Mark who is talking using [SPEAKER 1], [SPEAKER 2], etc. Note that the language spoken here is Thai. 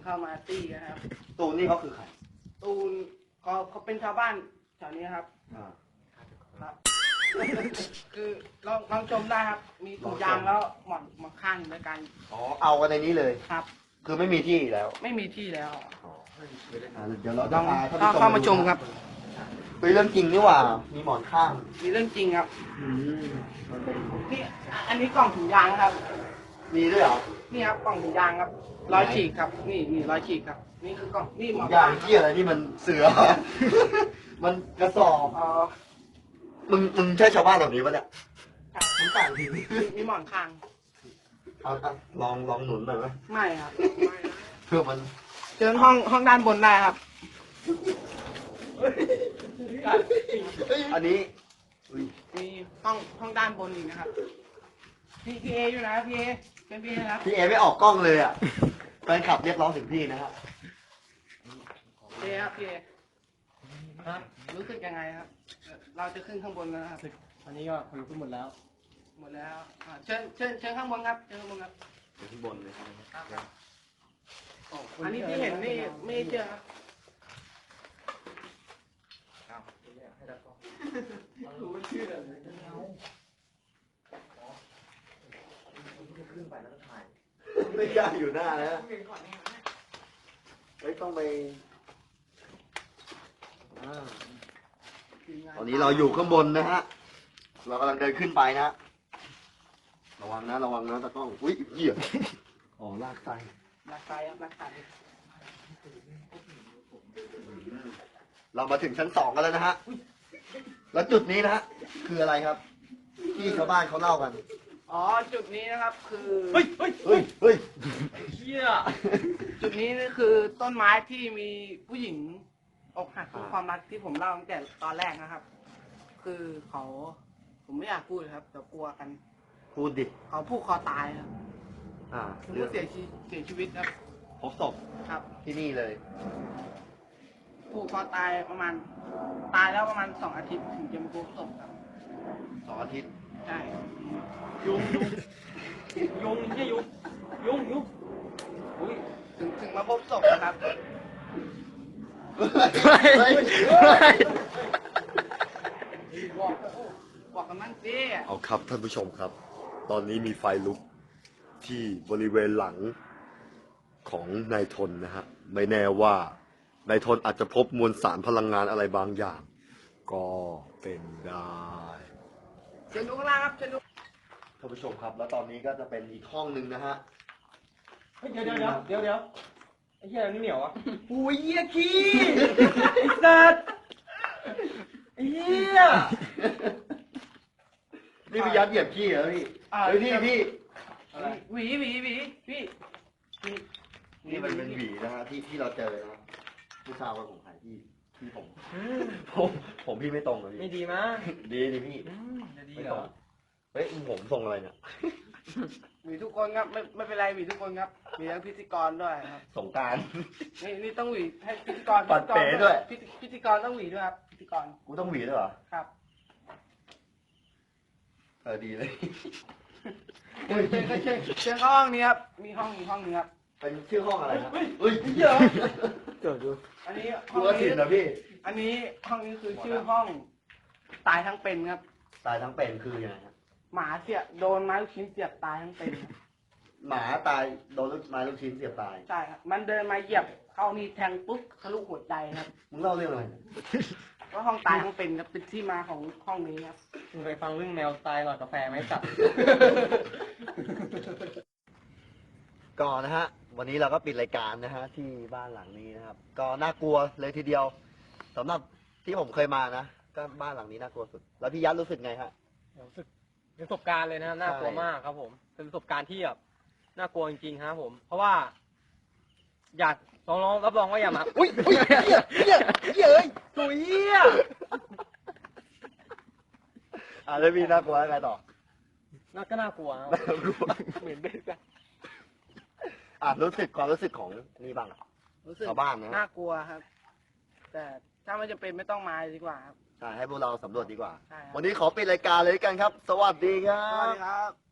[SPEAKER 1] เข้ามาตีกันครับ
[SPEAKER 2] ตูนนี่เขาคือใคร
[SPEAKER 1] ตูนเขาเป็นชาวบ้านแถวนี้ครับ ครับ คือลองชมได้ครับ มีถุงยางแล้วหมอนข้างด้วยกัน
[SPEAKER 2] อ๋อเอากันในนี้เลย
[SPEAKER 1] ครับ
[SPEAKER 2] คือไม่มีที่แล้ว
[SPEAKER 1] ไม่มีที่แล้ว
[SPEAKER 2] เดี๋ยวเรา
[SPEAKER 1] ล
[SPEAKER 2] จะ
[SPEAKER 1] อง
[SPEAKER 2] พาท่านผู้ชม
[SPEAKER 1] เข้ามาชมครับ
[SPEAKER 2] เป็นเรื่องจริงนี่หว่า มีหมอนข้าง
[SPEAKER 1] มีเรื่องจริงครับ
[SPEAKER 2] มันเป็น
[SPEAKER 1] นี่อันนี้กล่องถุงยางครับ
[SPEAKER 2] มีด้วยเหรอ
[SPEAKER 1] นี่ครับกล่องถุงยางครับรอยฉีกครับ นี่รอยฉีกครับ นี่คือกล่องนี่หมอน
[SPEAKER 2] ยา
[SPEAKER 1] ข้าง
[SPEAKER 2] งที่อะไรนี่มันเสือ มันกระสอบ มึงใช่ชาวบ้านแบบนี้ปะเนี่ย
[SPEAKER 1] ครับ
[SPEAKER 2] มึงต่างที
[SPEAKER 1] มีหมอนข้าง
[SPEAKER 2] เอาลองหนุนหน่อยไหม
[SPEAKER 1] ไม่ครับ
[SPEAKER 2] เพื่อมัน
[SPEAKER 1] เชิญห้องด้านบนได้ครับ
[SPEAKER 2] อันนี้อุ้ย
[SPEAKER 1] มีห้องด้านบนอีกนะครับพี่เออยู่นะพี่เอเป็นพี่เอครับ
[SPEAKER 2] พี่เอไม่ออกกล้องเลยอ่ะแฟนคลับเรียกร้องถึงพี่นะครับ
[SPEAKER 1] พี่เอครับพี่เอครับรู้สึกยังไงครับ เราจะขึ้นข้างบนแล้วนะครับ
[SPEAKER 3] อันนี้ก็คนขึ้นหมดแล้ว
[SPEAKER 1] หมดแล้วเชิญข้างบนครับเชิญข้างบนครับ
[SPEAKER 2] อยู่ข้างบนเลย
[SPEAKER 1] ครับอันนี้ที่เห็นนี่ไม่เจอครับ
[SPEAKER 2] ไม่กล้าอยู่หน้าแล้วไม่ต้องไปตอนนี้เราอยู่ข้างบนนะฮะ เรากำลังเดินขึ้นไปนะ ระวังนะตะกล้อง อุ้ยเหี้ยอ๋อลากไส้
[SPEAKER 1] รักไซครับรักไซ
[SPEAKER 2] เรามาถึงชั้น 2กันแล้วนะฮะ แล้วจุดนี้นะฮะ คืออะไรครับ ที่ชาวบ้านเขาเล่ากัน
[SPEAKER 1] อ๋อจุดนี้นะครับคือ
[SPEAKER 2] เฮ้ย
[SPEAKER 3] เฮีย
[SPEAKER 1] จุดนี้นี่คือต้นไม้ที่มีผู้หญิงอกหักจากความรักที่ผมเล่าตั้งแต่ตอนแรกนะครับ คือเขาผมไม่อยากพูดครับแต่กลัวกัน
[SPEAKER 2] พูดดิ
[SPEAKER 1] เขาผูกคอตายครับ คือ
[SPEAKER 2] เรื่อ
[SPEAKER 1] ผู้
[SPEAKER 2] ง
[SPEAKER 1] เสียชีวิตครับ
[SPEAKER 2] พบศพ
[SPEAKER 1] ครับ
[SPEAKER 2] ที่นี่เลย
[SPEAKER 1] ผูกคอตายประมาณตายแล้วประมาณ2 อาทิตย์ถึงจะมาพบศพครับ
[SPEAKER 2] 2 อาทิตย์
[SPEAKER 1] ใช่
[SPEAKER 3] ยุงเฮียยุงอุ้ย
[SPEAKER 1] ถึงมาพบศพนะครับ บอกกันมั่งสิ
[SPEAKER 2] เอาครับท่านผู้ชมครับ ตอนนี้มีไฟลุกที่บริเวณหลังของนายทนนะฮะ ไม่แน่ว่านายทนอาจจะพบมวลสารพลังงานอะไรบางอย่าง ก็เป็นได้
[SPEAKER 1] เชิญดูข้างล่างครับเชิญดู
[SPEAKER 2] ท่านผู้ชมครับ แล้วตอนนี้ก็จะเป็นอีกห้องหนึ่งนะฮะ
[SPEAKER 3] เฮ้ยเดี๋ยวไอ้เฮียนี่เหนียวอ่ะ
[SPEAKER 2] อุ้ยเยี่ยขี้
[SPEAKER 3] ไอ้สัตว์ไอ้เฮีย
[SPEAKER 2] นี่พี่ยัดเหยียบขี้เหรอพี่เฮ้ยพี่
[SPEAKER 1] หวีพี่
[SPEAKER 2] นี่มันเป็นหวีนะฮะที่เราเจอนะไม่ทราบว่าของใครที่ผมพี่ไม่ตรงเลย
[SPEAKER 3] ไม่
[SPEAKER 2] พี่
[SPEAKER 3] ดีมั้ง
[SPEAKER 2] ดีพี่
[SPEAKER 3] จะดี
[SPEAKER 2] ไม่
[SPEAKER 3] เหร
[SPEAKER 2] ตร
[SPEAKER 3] อง
[SPEAKER 2] เฮ้ยผมทรงอะไรเนี่ย
[SPEAKER 1] หวีทุกคนครับไม่เป็นไรหวีทุกคนครับมีทั้งพิธีกรด้วยครับ
[SPEAKER 2] สงกราร
[SPEAKER 1] นี่ต้องหวีให้พิธีกร
[SPEAKER 2] ปัดเป๋ด้วย
[SPEAKER 1] พิธีกรต้องหวีด้วยครับพิธีกร
[SPEAKER 2] กูต้องหวีด้วยเหรอ
[SPEAKER 1] ครับ
[SPEAKER 2] ดีเลย
[SPEAKER 1] เชิญเข้าห้องนี้ครับมีห้องนี้ครับ
[SPEAKER 2] เป็นชื่อห้องอะไรครับเฮ้ย
[SPEAKER 3] เฮียเกิดดู
[SPEAKER 1] อันนี้
[SPEAKER 2] กูว่าสินนะพี่
[SPEAKER 1] อันนี้ห้องนี้คือชื่อห้องตายทั้งเป็นครับ
[SPEAKER 2] ตายทั้งเป็นคือยังไงครับ
[SPEAKER 1] หมาโดนไม้ลูกชิ้นเสียบตายทั้งเป็นครับ
[SPEAKER 2] หมาตายโดนไม้ลูกชิ้นเสียบตาย
[SPEAKER 1] ใช่ครับมันเดินมาเหยียบเข้านี่แทงปุ๊บทะลุหัวใจครับ
[SPEAKER 2] มึงเล่าเรื่องอะไรเนี่ย
[SPEAKER 1] ก็ห้องตายทั้งเป็นครับเป็นที่มาของห้องนี้ครับ
[SPEAKER 3] มึงเคยฟังเรื่องแมวตายหลอดกาแฟไหมสัตว์
[SPEAKER 2] ก่อนนะฮะ วันนี้เราก็ปิดรายการนะฮะที่บ้านหลังนี้นะครับ ก็น่ากลัวเลยทีเดียวสำหรับที่ผมเคยมานะ ก็บ้านหลังนี้น่ากลัวสุด แล้วพี่ยัดรู้สึกไงฮะ
[SPEAKER 3] รู้สึกเป็นประสบการณ์เลยนะน่ากลัวมากครับผม เป็นประสบการณ์ที่แบบน่ากลัวจริงๆครับผม เพราะว่า อยากน้องๆรับรองว่าอย่ามาอุ้ยเฮียเอ้ยถุยเฮีย
[SPEAKER 2] แล้วพี่น่ากลัวอะไรต่อ
[SPEAKER 3] น่าก็น่ากลัวครับ
[SPEAKER 2] น่ากลัว
[SPEAKER 3] เหมือนเด็กอะ
[SPEAKER 2] รู้สึกความรู้สึกของนี่บ้างอะ
[SPEAKER 1] รู้สึก
[SPEAKER 2] ชาวบ้านนะ
[SPEAKER 1] น่ากลัวครับ แต่ถ้าไม่จำเป็นไม่ต้องมาดีกว่าครับ
[SPEAKER 2] ใช่ให้พวกเราสำรวจดีกว่า
[SPEAKER 1] ใช่ครับ
[SPEAKER 2] วันนี้ขอปิดรายการเลยกันครับ สวัสดีครั
[SPEAKER 1] สวัส
[SPEAKER 2] บ
[SPEAKER 1] ดีครับ